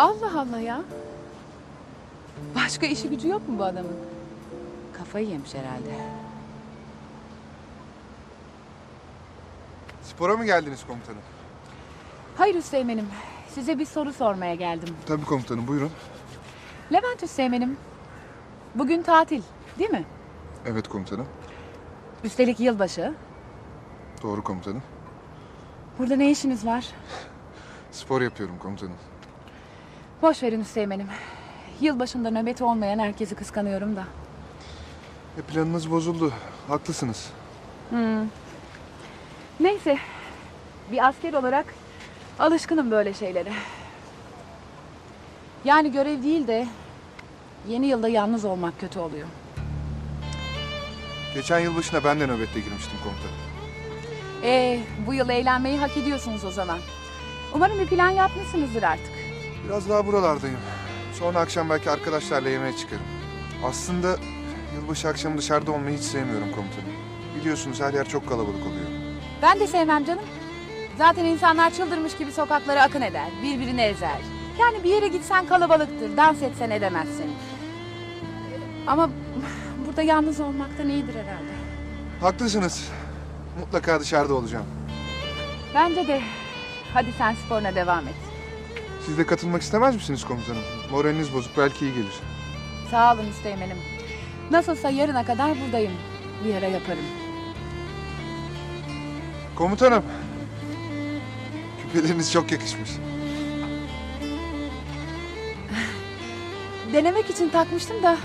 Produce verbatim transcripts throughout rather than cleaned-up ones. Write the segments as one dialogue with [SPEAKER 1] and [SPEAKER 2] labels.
[SPEAKER 1] Allah Allah ya. Başka işi gücü yok mu bu adamın? Kafayı yemiş herhalde.
[SPEAKER 2] Spora mı geldiniz komutanım?
[SPEAKER 1] Hayır Üsteğmen'im. Size bir soru sormaya geldim.
[SPEAKER 2] Tabii komutanım, buyurun.
[SPEAKER 1] Levent Üsteğmen'im. Bugün tatil değil mi?
[SPEAKER 2] Evet komutanım.
[SPEAKER 1] Üstelik yılbaşı.
[SPEAKER 2] Doğru komutanım.
[SPEAKER 1] Burada ne işiniz var?
[SPEAKER 2] Spor yapıyorum komutanım.
[SPEAKER 1] Boş verin Üsteğmen'im. Yılbaşında nöbeti olmayan herkesi kıskanıyorum da.
[SPEAKER 2] E planınız bozuldu. Haklısınız.
[SPEAKER 1] Hmm. Neyse. Bir asker olarak alışkınım böyle şeylere. Yani görev değil de yeni yılda yalnız olmak kötü oluyor.
[SPEAKER 2] Geçen yılbaşına ben de nöbette girmiştim komutanım.
[SPEAKER 1] Ee, bu yıl eğlenmeyi hak ediyorsunuz o zaman. Umarım bir plan yapmışsınızdır artık.
[SPEAKER 2] Biraz daha buralardayım. Sonra akşam belki arkadaşlarla yemeğe çıkarım. Aslında yılbaşı akşamı dışarıda olmayı hiç sevmiyorum komutanım. Biliyorsunuz her yer çok kalabalık oluyor.
[SPEAKER 1] Ben de sevmem canım. Zaten insanlar çıldırmış gibi sokaklara akın eder, birbirini ezer. Yani bir yere gitsen kalabalıktır, dans etsen edemezsin. Ama burada yalnız olmaktan iyidir herhalde.
[SPEAKER 2] Haklısınız. Mutlaka dışarıda olacağım.
[SPEAKER 1] Bence de. Hadi sen sporuna devam et.
[SPEAKER 2] Siz de katılmak istemez misiniz komutanım? Moraliniz bozuk, belki iyi gelir.
[SPEAKER 1] Sağ olun Üsteğmen'im. Nasılsa yarına kadar buradayım. Bir ara yaparım.
[SPEAKER 2] Komutanım. Küpeleriniz çok yakışmış.
[SPEAKER 1] Denemek için takmıştım da.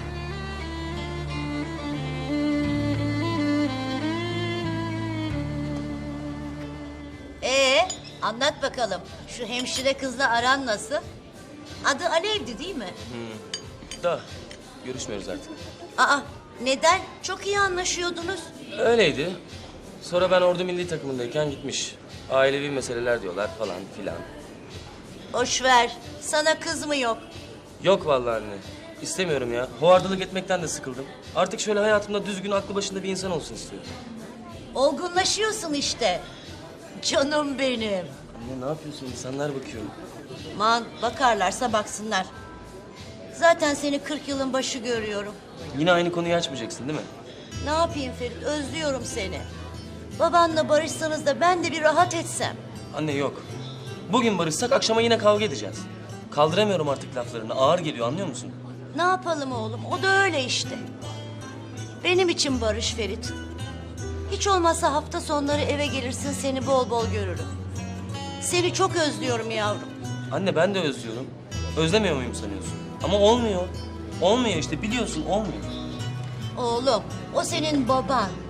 [SPEAKER 3] Ee, anlat bakalım. Şu hemşire kızla aran nasıl? Adı Alev'di değil mi?
[SPEAKER 4] Da görüşmüyoruz artık.
[SPEAKER 3] Aa, neden? Çok iyi anlaşıyordunuz.
[SPEAKER 4] Öyleydi. Sonra ben ordu milli takımındayken gitmiş. Ailevi meseleler diyorlar falan filan.
[SPEAKER 3] Boş ver. Sana kız mı yok?
[SPEAKER 4] Yok vallahi anne. İstemiyorum ya. Hovardalık etmekten de sıkıldım. Artık şöyle hayatımda düzgün, aklı başında bir insan olsun istiyorum.
[SPEAKER 3] Olgunlaşıyorsun işte. Canım benim.
[SPEAKER 4] Anne ne yapıyorsun? İnsanlar bakıyor.
[SPEAKER 3] Man, bakarlarsa baksınlar. Zaten seni kırk yılın başı görüyorum.
[SPEAKER 4] Yine aynı konuyu açmayacaksın değil mi?
[SPEAKER 3] Ne yapayım Ferit? Özlüyorum seni. Babanla barışsanız da ben de bir rahat etsem.
[SPEAKER 4] Anne yok. Bugün barışsak akşama yine kavga edeceğiz. Kaldıramıyorum artık laflarını. Ağır geliyor, anlıyor musun?
[SPEAKER 3] Ne yapalım oğlum? O da öyle işte. Benim için barış Ferit. Hiç olmazsa hafta sonları eve gelirsin, seni bol bol görürüm. Seni çok özlüyorum yavrum.
[SPEAKER 4] Anne ben de özlüyorum. Özlemiyor muyum sanıyorsun? Ama olmuyor. Olmuyor işte, biliyorsun olmuyor.
[SPEAKER 3] Oğlum, o senin baban.